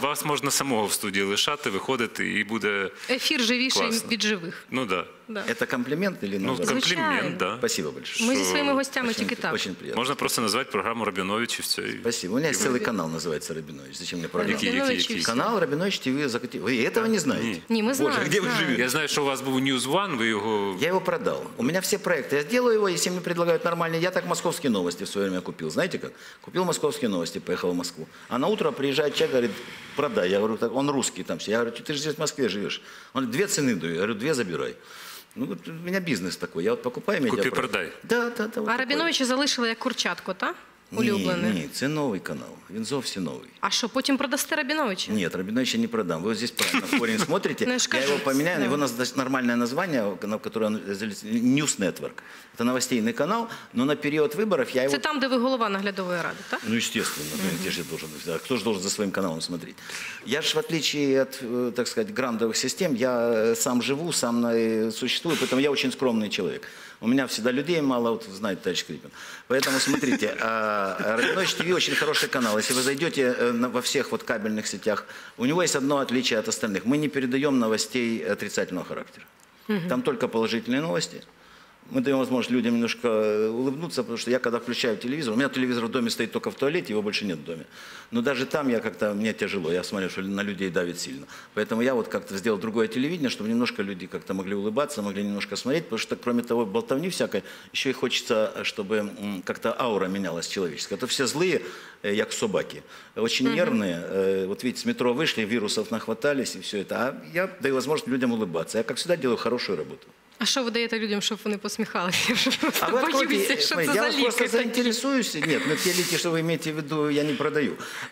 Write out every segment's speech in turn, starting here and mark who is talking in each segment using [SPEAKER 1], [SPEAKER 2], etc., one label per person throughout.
[SPEAKER 1] вас можна самого в студії лишати, виходити і буде
[SPEAKER 2] Ефір живіший
[SPEAKER 1] класно.
[SPEAKER 2] від живих.
[SPEAKER 1] Ну так.
[SPEAKER 2] Да.
[SPEAKER 3] Это комплимент или
[SPEAKER 1] Ну,
[SPEAKER 3] наоборот?
[SPEAKER 1] комплімент, так.
[SPEAKER 3] Спасибо большое.
[SPEAKER 2] Ми зі своїми гостями тільки так.
[SPEAKER 3] Очень приятно.
[SPEAKER 1] Можна просто назвати програму Рабіновичів.
[SPEAKER 3] Спасибо. У меня есть целый канал, называется Рабинович. Зачем мне программа?
[SPEAKER 1] Який?
[SPEAKER 3] Канал Рабинович ТВ Закатил. Вы этого не знаете?
[SPEAKER 2] Ні, ми знаємо.
[SPEAKER 3] Боже, где вы живете?
[SPEAKER 1] Я знаю, що у вас був News One, ви його...
[SPEAKER 3] Я его продал. У меня все проекты. Я сделаю его, если мне предлагают нормальные. Я так «Московские новости» в свое время купил. Знаете как? Купил «Московские новости», поехал в Москву. А на утро приезжает человек, говорит, продай. Я говорю, так, он русский там все. Я говорю, ты же здесь в Москве живешь. Он говорит, 2 цены даю. Я говорю, 2 забирай. Ну, вот у меня бизнес такой. Я вот покупаю медиапроект.
[SPEAKER 1] Купи-продай.
[SPEAKER 3] Да. Вот
[SPEAKER 2] А Рабіновича залишили як курчатко, так? Улюблений.
[SPEAKER 3] Ні, це новий канал. Він зовсім новий.
[SPEAKER 2] А що, потім продасте Рабіновича?
[SPEAKER 3] Нет, Рабиновича не продам. Вы вот здесь правильно в корень смотрите.
[SPEAKER 2] Ну,
[SPEAKER 3] Я его поменяю. Его нормальное название, на которое он News Network. Это новостейный канал, но на период выборов я его...
[SPEAKER 2] Це там, де ви голова наглядової ради, так?
[SPEAKER 3] Ну, естественно. Где же я должен... Кто же должен за своим каналом смотреть? Я же, в отличие от, так сказать, грандовых систем, я сам живу, сам существую, поэтому я очень скромный человек. У меня всегда людей мало, вот знаете, товарищ Скрипин. Поэтому, смотрите, Рабинович ТВ очень хороший канал. Если вы зайдете во всех вот кабельных сетях, у него есть одно отличие от остальных. Мы не передаем новостей отрицательного характера. Там только положительные новости. Мы даем возможность людям немножко улыбнуться, потому что я когда включаю телевизор, у меня телевизор в доме стоит только в туалете, его больше нет в доме. Но даже там я как-то, мне тяжело, я смотрю, что на людей давит сильно. Поэтому я вот как-то сделал другое телевидение, чтобы немножко люди как-то могли улыбаться, могли немножко смотреть, потому что кроме того болтовни всякой, еще и хочется, чтобы как-то аура менялась человеческая. Это все злые, как собаки, очень нервные. Вот видите, с метро вышли, вирусов нахватались и все это. А я даю возможность людям улыбаться. Я, как всегда, делаю хорошую работу.
[SPEAKER 2] А що ви даєте людям, щоб вони посміхалися? Я вже просто
[SPEAKER 3] вы
[SPEAKER 2] боюся,
[SPEAKER 3] откройте,
[SPEAKER 2] що це
[SPEAKER 3] я
[SPEAKER 2] за
[SPEAKER 3] вас просто
[SPEAKER 2] ліки такі.
[SPEAKER 3] заинтересуюсь. Нет, ну те лики, что вы имеете в виду, я не продаю.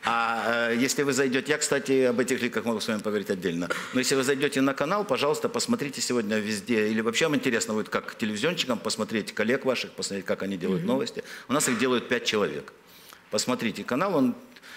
[SPEAKER 3] А если вы зайдете, я, кстати, об этих ликах могу с вами поговорить отдельно. Но если вы зайдете на канал, пожалуйста, посмотрите сегодня везде. Или вообще вам интересно будет, как телевизионщикам посмотреть коллег ваших, посмотреть, как они делают новости. У нас их делают 5 человек. Посмотрите канал, он...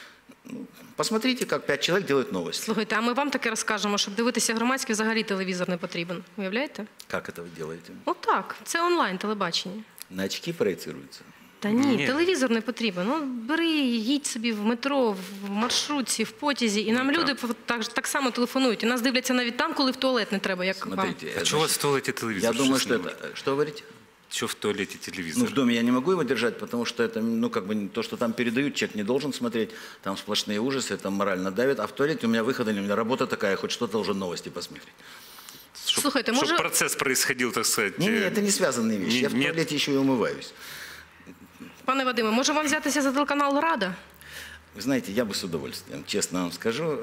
[SPEAKER 3] Посмотрите, как 5 человек делают новости.
[SPEAKER 2] Слухайте, а ми вам таке розкажемо, щоб дивитися громадське, взагалі телевізор не потрібен. Уявляєте?
[SPEAKER 3] Как это вы делаете?
[SPEAKER 2] Отак, це онлайн телебачення.
[SPEAKER 3] На очки проецируется?
[SPEAKER 2] Та ні,
[SPEAKER 1] Ні.
[SPEAKER 2] телевізор не потрібен. Ну, бери, їдь собі в метро, в маршрутці, в потязі, і нам люди так само телефонують. І нас дивляться навіть там, коли в туалет не треба, як вам.
[SPEAKER 3] Смотрите,
[SPEAKER 1] А чого у вас в туалеті телевізор?
[SPEAKER 3] я думаю,
[SPEAKER 1] Щось
[SPEAKER 3] что
[SPEAKER 1] не
[SPEAKER 3] это...
[SPEAKER 1] можна.
[SPEAKER 3] Что вы говорите?
[SPEAKER 1] Що в туалеті
[SPEAKER 3] Ну,
[SPEAKER 1] телевізор?
[SPEAKER 3] в доме я не могу его держать, потому что это, ну, как бы, то, что там передают, человек не должен смотреть, там сплошные ужасы, там морально давит, а в туалете у меня выхода нет, у меня работа такая, хоть что-то уже новости посмотреть.
[SPEAKER 2] Слухайте, може...
[SPEAKER 1] Щоб процес происходил, так сказать...
[SPEAKER 3] Не, это не связанные вещи, я в
[SPEAKER 1] Нет.
[SPEAKER 3] туалете еще и умываюсь.
[SPEAKER 2] Пане Вадиме, може вам взятися за телеканал «Рада»?
[SPEAKER 3] Вы знаете, я бы с удовольствием, честно вам скажу.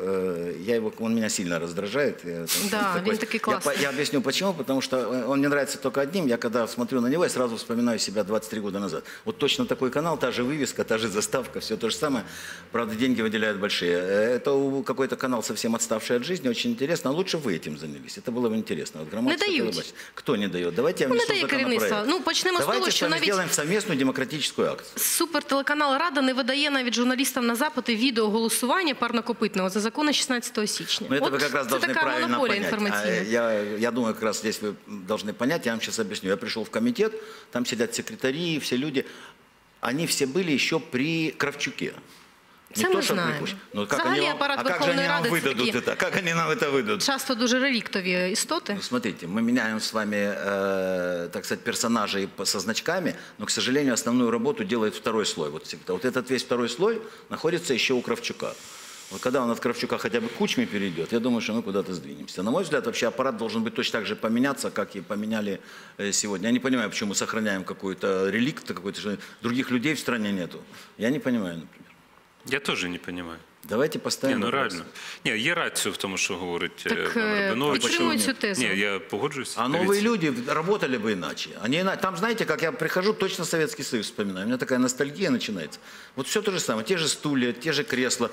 [SPEAKER 3] Он меня сильно раздражает.
[SPEAKER 2] Да, он такой классный.
[SPEAKER 3] Я объясню почему. Потому что он мне нравится только одним. Я когда смотрю на него, я сразу вспоминаю себя 23 года назад. Вот точно такой канал, та же вывеска, та же заставка, все то же самое. Правда, деньги выделяют большие. Это какой-то канал совсем отставший от жизни, очень интересно. А лучше вы этим занялись. Это было бы интересно. Вот громадское
[SPEAKER 2] Не дають.
[SPEAKER 3] телебачение. Кто не дает? Давайте я
[SPEAKER 2] Ну, не
[SPEAKER 3] внесу
[SPEAKER 2] дає керівництво.
[SPEAKER 3] законопроект.
[SPEAKER 2] Ну, почнемо з того,
[SPEAKER 3] Давайте с
[SPEAKER 2] що
[SPEAKER 3] вами
[SPEAKER 2] навіть
[SPEAKER 3] сделаем совместную демократическую акцию.
[SPEAKER 2] супертелеканал «Рада» не видає навіть журналістам на запити відео голосування парнокопитного за закони 16 січня.
[SPEAKER 3] Но это
[SPEAKER 2] От
[SPEAKER 3] вы как раз
[SPEAKER 2] це
[SPEAKER 3] должны
[SPEAKER 2] така
[SPEAKER 3] правильно
[SPEAKER 2] монополія
[SPEAKER 3] понять.
[SPEAKER 2] інформаційна.
[SPEAKER 3] Я думаю, как раз здесь вы должны понять, я вам сейчас объясню. Я пришел в комитет, там сидят секретари, все люди. Они все были еще при Кравчуке.
[SPEAKER 2] Це ми знаємо.
[SPEAKER 3] Ну, как
[SPEAKER 2] Взагалі
[SPEAKER 3] они,
[SPEAKER 2] апарат
[SPEAKER 3] а как же
[SPEAKER 2] Верховної
[SPEAKER 3] они нам
[SPEAKER 2] Ради це
[SPEAKER 3] выдадут
[SPEAKER 2] такі
[SPEAKER 3] это? Как они нам это выдадут?
[SPEAKER 2] часто дуже реліктові істоти.
[SPEAKER 3] Ну, смотрите, мы меняем с вами, так сказать, персонажей со значками, но, к сожалению, основную работу делает второй слой. Вот этот весь второй слой находится еще у Кравчука. Вот когда он от Кравчука хотя бы к Кучме перейдет, я думаю, что мы куда-то сдвинемся. На мой взгляд, вообще аппарат должен быть точно так же поменяться, как и поменяли сегодня. Я не понимаю, почему мы сохраняем какой-то реликт, что других людей в стране нету. Я не понимаю, например.
[SPEAKER 1] Я теж не розумію.
[SPEAKER 3] Давайте
[SPEAKER 1] Ні,
[SPEAKER 3] поставим
[SPEAKER 1] ну
[SPEAKER 3] вопрос.
[SPEAKER 1] реально. Ні, є рацію в тому, що говорить
[SPEAKER 2] Так,
[SPEAKER 1] пан Рабінович.
[SPEAKER 2] підтримую цю тезу.
[SPEAKER 1] Ні, я погоджуюсь.
[SPEAKER 3] А
[SPEAKER 1] Дивіться.
[SPEAKER 3] новые люди работали бы иначе. Там, знаете, как я прихожу, точно Советский Союз вспоминаю. У меня такая ностальгия начинается. Вот все то же самое. Те же стулья, те же кресла.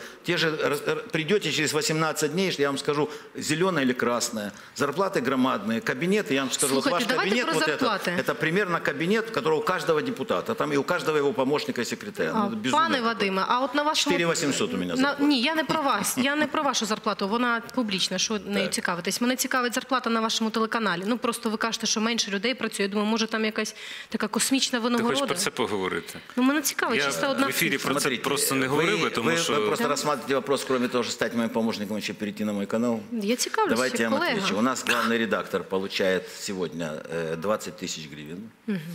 [SPEAKER 3] Придете через 18 дней, я вам скажу, зеленое или красное. Зарплаты громадные. Кабинеты, я вам скажу,
[SPEAKER 2] Слушайте,
[SPEAKER 3] ваш
[SPEAKER 2] давайте
[SPEAKER 3] кабинет,
[SPEAKER 2] про
[SPEAKER 3] вот
[SPEAKER 2] зарплаты.
[SPEAKER 3] это примерно кабинет, которого у каждого депутата. Там и у каждого его помощника и секретаря. Ну, это безумие
[SPEAKER 2] Пане
[SPEAKER 3] какое-то.
[SPEAKER 2] Вадиме, а от на вашому...
[SPEAKER 3] 4800 у меня
[SPEAKER 2] на, Ні, я не про вас. Я не про вашу зарплату. Вона публічна, що нею цікавитесь. Мене цікавить зарплата на вашому телеканалі. Ну, просто ви кажете, що менше людей працює. Я думаю, може там якась така космічна
[SPEAKER 1] Ти
[SPEAKER 2] винагорода.
[SPEAKER 1] хочеш про це поговорити?
[SPEAKER 2] Ну, мене цікавить чисто
[SPEAKER 1] Я
[SPEAKER 2] одна
[SPEAKER 1] в ефірі
[SPEAKER 2] цифра.
[SPEAKER 1] про це просто не говорив, тому
[SPEAKER 3] вы
[SPEAKER 1] що...
[SPEAKER 3] просто рассматриваете вопрос, кроме того, что стать моим помощником, еще перейти на мой канал.
[SPEAKER 2] Я цікавлюся,
[SPEAKER 3] Давайте я вам отвечу. У
[SPEAKER 2] колега.
[SPEAKER 3] нас главный редактор получает сегодня 20 тысяч гривен.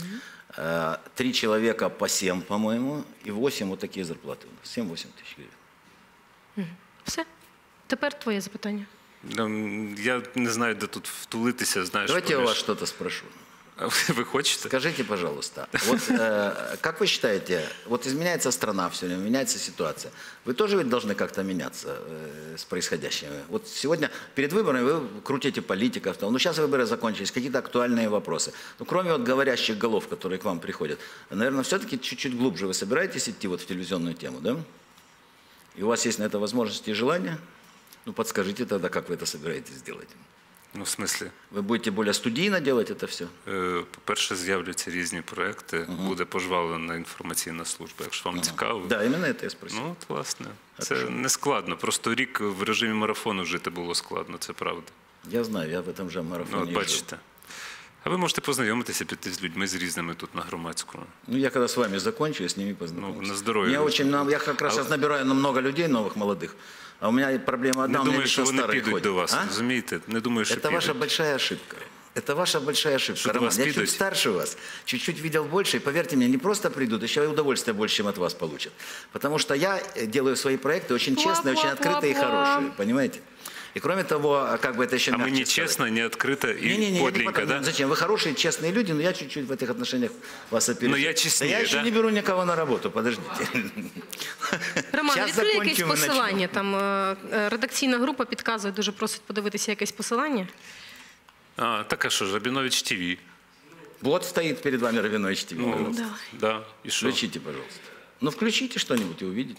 [SPEAKER 3] 3 человека по 7, по-моему, и 8 вот такие зарплаты у нас. 7-8 тысяч гривен.
[SPEAKER 2] Все. Тепер твоє запитання.
[SPEAKER 1] Я не знаю, де тут втулитися, знаєш.
[SPEAKER 3] Давайте я у
[SPEAKER 1] поміж-
[SPEAKER 3] вас что-то спрошу.
[SPEAKER 1] Ви хочете?
[SPEAKER 3] Скажите, пожалуйста, вот как вы считаете, вот изменяется страна все время, меняется ситуация. Вы тоже ведь должны как-то меняться с происходящим. Вот сегодня перед выборами вы крутите политиков, ну сейчас выборы закончились, какие-то актуальные вопросы. Ну кроме вот говорящих голов, которые к вам приходят, наверное, все-таки чуть-чуть глубже вы собираетесь идти вот в телевизионную тему, да? И у вас есть на это возможности и желание? Ну подскажите тогда, как вы это собираетесь сделать?
[SPEAKER 1] Ну, в смислі,
[SPEAKER 3] Вы будете более студийно делать это все?
[SPEAKER 1] по-перше, з'являться різні проекти, буде пожвавлена інформаційна служба, якщо вам цікаво.
[SPEAKER 3] Да, именно это я спросил.
[SPEAKER 1] Ну, от, власне, це не складно. Просто рік в режимі марафону жити було складно, це правда.
[SPEAKER 3] Я знаю, я в этом же
[SPEAKER 1] Ну,
[SPEAKER 3] марафоне
[SPEAKER 1] от
[SPEAKER 3] и жил.
[SPEAKER 1] бачите. А ви можете познайомитися, піти з людьми з різними тут на громадському.
[SPEAKER 3] Ну, я когда с вами закончу, я с ними познакомлюсь.
[SPEAKER 1] Ну, на здоровье.
[SPEAKER 3] Я как раз сейчас набираю много людей, новых, молодых. А у меня проблема одна,
[SPEAKER 1] Не
[SPEAKER 3] у меня
[SPEAKER 1] думаю, що
[SPEAKER 3] лично
[SPEAKER 1] вони
[SPEAKER 3] старые
[SPEAKER 1] підуть
[SPEAKER 3] ходят.
[SPEAKER 1] до вас,
[SPEAKER 3] А?
[SPEAKER 1] розумієте? Не думаю, що
[SPEAKER 3] Это ваша
[SPEAKER 1] підуть.
[SPEAKER 3] большая ошибка. Это ваша большая ошибка.
[SPEAKER 1] Что до
[SPEAKER 3] Роман,
[SPEAKER 1] вас
[SPEAKER 3] я
[SPEAKER 1] придут?
[SPEAKER 3] чуть старше вас, чуть-чуть видел больше, и поверьте мне, не просто придут, еще и удовольствие больше, чем от вас получат. Потому что я делаю свои проекты очень честные, очень открытые и хорошие, понимаете? И кроме того, как бы это еще
[SPEAKER 1] А мы
[SPEAKER 3] мягче
[SPEAKER 1] не
[SPEAKER 3] сказать.
[SPEAKER 1] честно, не открыто и
[SPEAKER 3] Не-не-не,
[SPEAKER 1] подлинненько, да?
[SPEAKER 3] Зачем? Вы хорошие, честные люди, но я чуть-чуть в этих отношениях вас опережу.
[SPEAKER 1] Но я честнее,
[SPEAKER 3] я еще
[SPEAKER 1] да?
[SPEAKER 3] не беру никого на работу, подождите.
[SPEAKER 2] Роман,
[SPEAKER 3] Щас
[SPEAKER 2] відкрий якесь
[SPEAKER 3] закончимо і
[SPEAKER 2] посилання. Там редакційна група підказує, дуже просить подивитися якесь посилання.
[SPEAKER 1] Так а що ж, Рабінович ТВ.
[SPEAKER 3] Вот стоит перед вами Рабинович ТВ.
[SPEAKER 1] Ну,
[SPEAKER 3] пожалуйста.
[SPEAKER 1] да, і що?
[SPEAKER 3] Включите, пожалуйста. Ну, включите что-нибудь и увидите.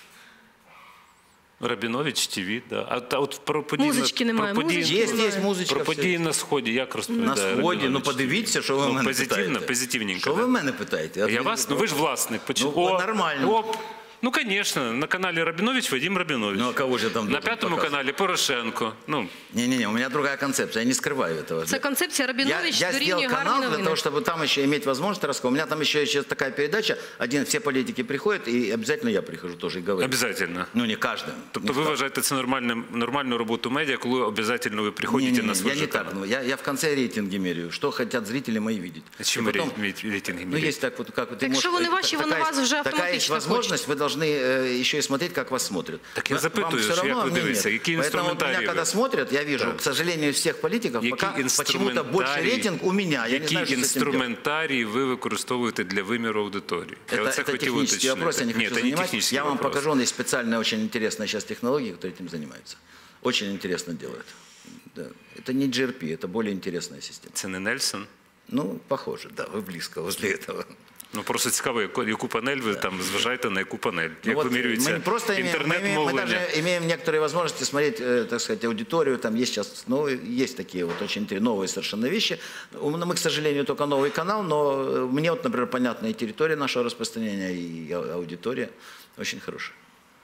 [SPEAKER 1] Рабінович ТВ, да. А от про події,
[SPEAKER 2] Музички немає, музички
[SPEAKER 3] Есть
[SPEAKER 2] немає.
[SPEAKER 3] музычка.
[SPEAKER 1] про
[SPEAKER 3] все.
[SPEAKER 1] події на Сході, як
[SPEAKER 3] На
[SPEAKER 1] розповідає
[SPEAKER 3] сході, ну
[SPEAKER 1] Рабінович
[SPEAKER 3] подивіться, що ви
[SPEAKER 1] Ну,
[SPEAKER 3] мене
[SPEAKER 1] позитивно,
[SPEAKER 3] питаєте.
[SPEAKER 1] позитивненько,
[SPEAKER 3] Що
[SPEAKER 1] да.
[SPEAKER 3] ви мене питаєте?
[SPEAKER 1] Я вас, ну ви ж власник.
[SPEAKER 3] Ну, нормально.
[SPEAKER 1] Оп. Ну, конечно, на каналі Рабінович Вадим Рабінович.
[SPEAKER 3] Ну, а кого же там
[SPEAKER 1] На
[SPEAKER 3] должен
[SPEAKER 1] п'ятому
[SPEAKER 3] показывать?
[SPEAKER 1] каналі Порошенко. Ну,
[SPEAKER 3] Не-не-не, у меня другая концепция, я не скрываю этого.
[SPEAKER 2] Це концепція Рабінович
[SPEAKER 3] Я
[SPEAKER 2] дорівнює
[SPEAKER 3] сделал
[SPEAKER 2] гарні
[SPEAKER 3] канал для
[SPEAKER 2] новини.
[SPEAKER 3] того, чтобы там еще иметь возможность рассказать. У меня там еще есть такая передача, все политики приходят, и обязательно я прихожу тоже и говорю.
[SPEAKER 1] обязательно.
[SPEAKER 3] Ну, не каждый.
[SPEAKER 1] Тобто ви вважаєте це нормальну роботу медіа, коли обов'язково ви приходите на свій
[SPEAKER 3] я не
[SPEAKER 1] канал?
[SPEAKER 3] так. Ну, я в конце рейтинги меряю, что хотят зрители мои видеть.
[SPEAKER 1] А чим
[SPEAKER 3] И
[SPEAKER 1] ви
[SPEAKER 3] потом-
[SPEAKER 1] рейтинги
[SPEAKER 3] Ну,
[SPEAKER 1] меряєте?
[SPEAKER 3] есть так вот, как вот.
[SPEAKER 2] Так что вони ваші, вони вас вже
[SPEAKER 3] Такая есть
[SPEAKER 2] автоматично
[SPEAKER 3] возможность, вы должны еще и смотреть, как вас смотрят.
[SPEAKER 1] Так я
[SPEAKER 3] Вам
[SPEAKER 1] запитую,
[SPEAKER 3] всё
[SPEAKER 1] що
[SPEAKER 3] равно,
[SPEAKER 1] як ви
[SPEAKER 3] а мне
[SPEAKER 1] дивитеся,
[SPEAKER 3] нет.
[SPEAKER 1] які
[SPEAKER 3] Поэтому вот
[SPEAKER 1] інструментарії
[SPEAKER 3] меня, когда
[SPEAKER 1] ви?
[SPEAKER 3] смотрят, я вижу,
[SPEAKER 1] Так.
[SPEAKER 3] к сожалению, из всех политиков,
[SPEAKER 1] Які
[SPEAKER 3] пока почему-то больше рейтинг у меня. Я не
[SPEAKER 1] які
[SPEAKER 3] знаю, что с этим делать.
[SPEAKER 1] інструментарії ви використовуєте для виміру аудиторії? Я
[SPEAKER 3] Это
[SPEAKER 1] оце хотів
[SPEAKER 3] технический
[SPEAKER 1] уточнити.
[SPEAKER 3] вопрос, я не
[SPEAKER 1] Ні,
[SPEAKER 3] хочу
[SPEAKER 1] це не
[SPEAKER 3] занимать.
[SPEAKER 1] технічний
[SPEAKER 3] Я вам
[SPEAKER 1] вопрос.
[SPEAKER 3] покажу, есть специальная, очень интересная сейчас технология, которые этим занимаются. Очень интересно делают. Да. Это не GRP, это более интересная система.
[SPEAKER 1] Це не Нельсон?
[SPEAKER 3] Ну, похоже, да, вы близко возле этого.
[SPEAKER 1] Ну просто цікаво, яку панель ви там зважаєте на яку панель?
[SPEAKER 3] Ну,
[SPEAKER 1] Як
[SPEAKER 3] вот
[SPEAKER 1] вимірюється
[SPEAKER 3] мы просто мы
[SPEAKER 1] інтернет-мовлення?
[SPEAKER 3] даже имеем некоторые возможности смотреть, так сказать, аудиторию. Там есть сейчас, ну, есть такие вот очень новые совершенно вещи. Мы, к сожалению, только новый канал, но мне вот, например, понятна и территория нашего распространения, и аудитория очень хорошая.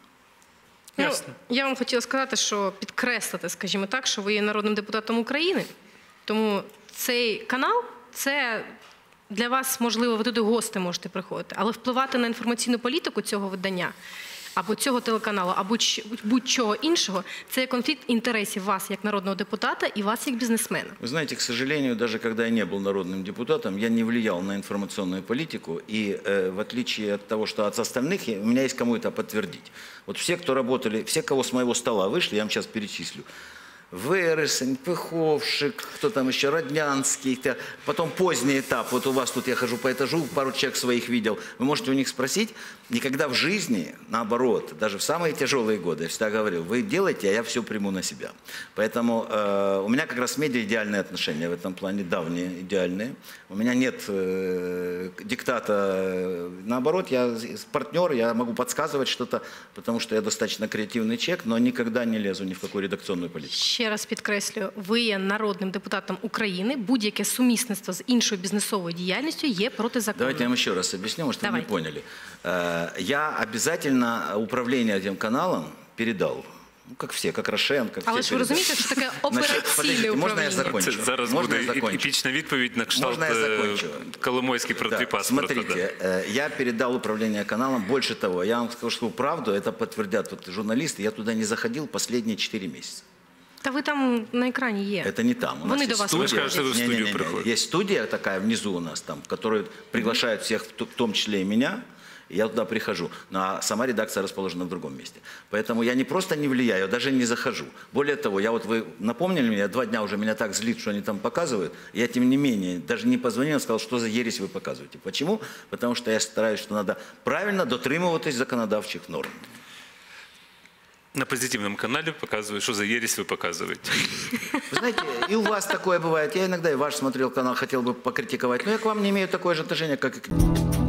[SPEAKER 2] Ну,
[SPEAKER 1] Ясно.
[SPEAKER 2] я вам хотіла сказати, що підкреслити, скажімо так, що ви є народним депутатом України. Тому цей канал – це для вас, можливо, ви туди гости можете приходити. Але впливати на інформаційну політику цього видання, або цього телеканалу, або будь-чого іншого – це конфлікт інтересів вас як народного депутата і вас як бізнесмена.
[SPEAKER 3] Вы знаете, к сожалению, даже когда я не был народным депутатом, я не влиял на информационную политику. И в отличие от того, что от остальных, у меня есть кому это подтвердить. Вот все, кто работали, все, кого с моего стола вышли, я вам сейчас перечислю. Вересень, Пыховшик, кто там еще, Роднянский, потом поздний этап, вот у вас тут я хожу по этажу, пару человек своих видел, вы можете у них спросить, никогда в жизни, наоборот, даже в самые тяжелые годы, я всегда говорил, вы делаете, а я все приму на себя. Поэтому у меня как раз с медиа идеальные отношения в этом плане, давние, идеальные. У меня нет диктата, наоборот, я партнер, я могу подсказывать что-то, потому что я достаточно креативный человек, но никогда не лезу ни в какую редакционную политику.
[SPEAKER 2] Ще раз підкреслюю, ви є народним депутатом України, будь-яке сумісництво з іншою бізнесовою діяльністю є протизаконним.
[SPEAKER 3] Давайте я вам еще раз объясню, может, вы не
[SPEAKER 2] Давайте.
[SPEAKER 3] поняли. Я обязательно управление этим каналом передал. Ну, как все, как Рошен, как
[SPEAKER 2] Але
[SPEAKER 3] все
[SPEAKER 2] ж ви
[SPEAKER 3] передали.
[SPEAKER 2] розумієте, що таке операційне
[SPEAKER 3] подождите, можно я
[SPEAKER 2] управління?
[SPEAKER 3] закончу?
[SPEAKER 1] Це зараз
[SPEAKER 3] Можна
[SPEAKER 1] буде
[SPEAKER 3] я закончу?
[SPEAKER 1] епічна відповідь на кшталт
[SPEAKER 3] Можна я закончу?
[SPEAKER 1] Коломойський про
[SPEAKER 3] Да,
[SPEAKER 1] твій паспорт.
[SPEAKER 3] смотрите, я передал управление каналом. Больше того, я вам скажу правду, это подтвердят вот журналисты. Я туда не заходил последние 4 месяца.
[SPEAKER 2] Та ви там на екрані є.
[SPEAKER 3] Это не там. У нас
[SPEAKER 2] Вони
[SPEAKER 3] есть
[SPEAKER 2] до вас
[SPEAKER 3] студия.
[SPEAKER 1] Ви ж кажете, ви в студію
[SPEAKER 3] Не-не-не.
[SPEAKER 1] приходите.
[SPEAKER 3] Есть студия такая внизу у нас, там, в которую приглашают всех, в том числе и меня. И я туда прихожу. А сама редакция расположена в другом месте. Поэтому я не просто не влияю, даже не захожу. Более того, вы напомнили мне, 2 дня уже меня так злит, что они там показывают. Я, тем не менее, даже не позвонил, сказал, что за ересь вы показываете. Почему? Потому что я стараюсь, что надо правильно дотримуватись законодавчих норм.
[SPEAKER 1] На позитивном канале показывают, что за ересь вы показываете.
[SPEAKER 3] Вы знаете, и у вас такое бывает. Я иногда и ваш смотрел канал, хотел бы покритиковать. Но я к вам не имею такое же отношение, как и к ним.